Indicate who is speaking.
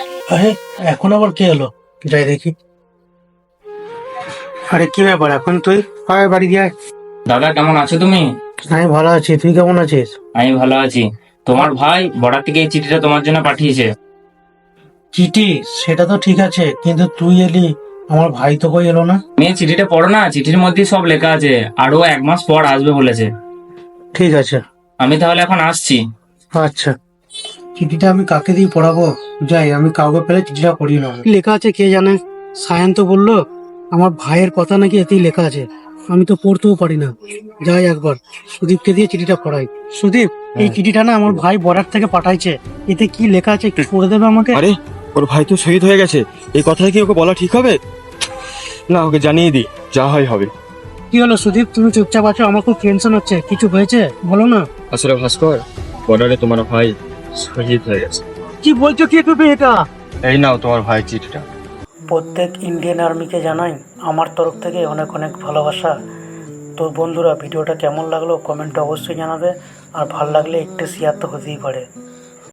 Speaker 1: আরে এখন আবার কে এলো? যাই দেখি। আরে কি ব্যাপার, এখন তুই আয় বাড়ি দিয়ে আয়।
Speaker 2: দাদা কেমন আছো তুমি?
Speaker 1: আমি ভালো আছি, তুই কেমন আছিস?
Speaker 2: আমি ভালো আছি। তোমার ভাই বর্ডার থেকে এই চিঠিটা তোমার জন্য পাঠিয়েছে।
Speaker 1: চিঠি? সেটা তো ঠিক আছে, কিন্তু তুই এলি, আমার ভাই তো কই এলো না।
Speaker 2: তুমি এই চিঠিটা পড়ো না, চিঠির মধ্যেই সব লেখা আছে। আরো 1 মাস পর আসবে বলেছে।
Speaker 1: ঠিক আছে।
Speaker 2: আমি তাহলে এখন আসছি।
Speaker 1: আচ্ছা, চিঠিটা আমি কাকে দিয়ে পড়াবো? যাই, আমি কাউকে পেলে চিঠিটা পড়িয়ে নেবো। কি লেখা আছে কে জানে। সায়ন তো বললো আমার ভাইয়ের কথা নাকি এতেই লেখা আছে। আমি তো পড়তেও পারি না। যাই একবার সুদীপকে দিয়ে চিঠিটা পড়াই। সুদীপ, এই চিঠিটা না আমার ভাই বর্ডার থেকে পাঠাইছে। এতে কি লেখা আছে একটু পড়ে দেবে আমাকে?
Speaker 3: আরে, ওর ভাই তো শহীদ হয়ে গেছে। এই কথাটা কি ওকে বলা ঠিক হবে? না, ওকে জানিয়ে দিই, যা হয় হবে।
Speaker 1: কি হলো সুদীপ, তুমি চুপচাপ আছো? আমার খুব টেনশন হচ্ছে, কিছু হয়েছে বলো না।
Speaker 3: আসলে ভাস্কর, বর্ডারে তোমার ভাই শহীদ হয়ে গেছে।
Speaker 1: কি বলছো কি তুমি এটা?
Speaker 3: এই নাও তোমার ভাই চিঠিটা।
Speaker 1: প্রত্যেক ইন্ডিয়ান আর্মিকে জানাই আমার তরফ থেকে অনেক অনেক ভালোবাসা। তো বন্ধুরা, ভিডিওটা কেমন লাগলো কমেন্টে অবশ্যই জানাবে। আর ভালো লাগলে একটু শেয়ার তো হতেই পারে।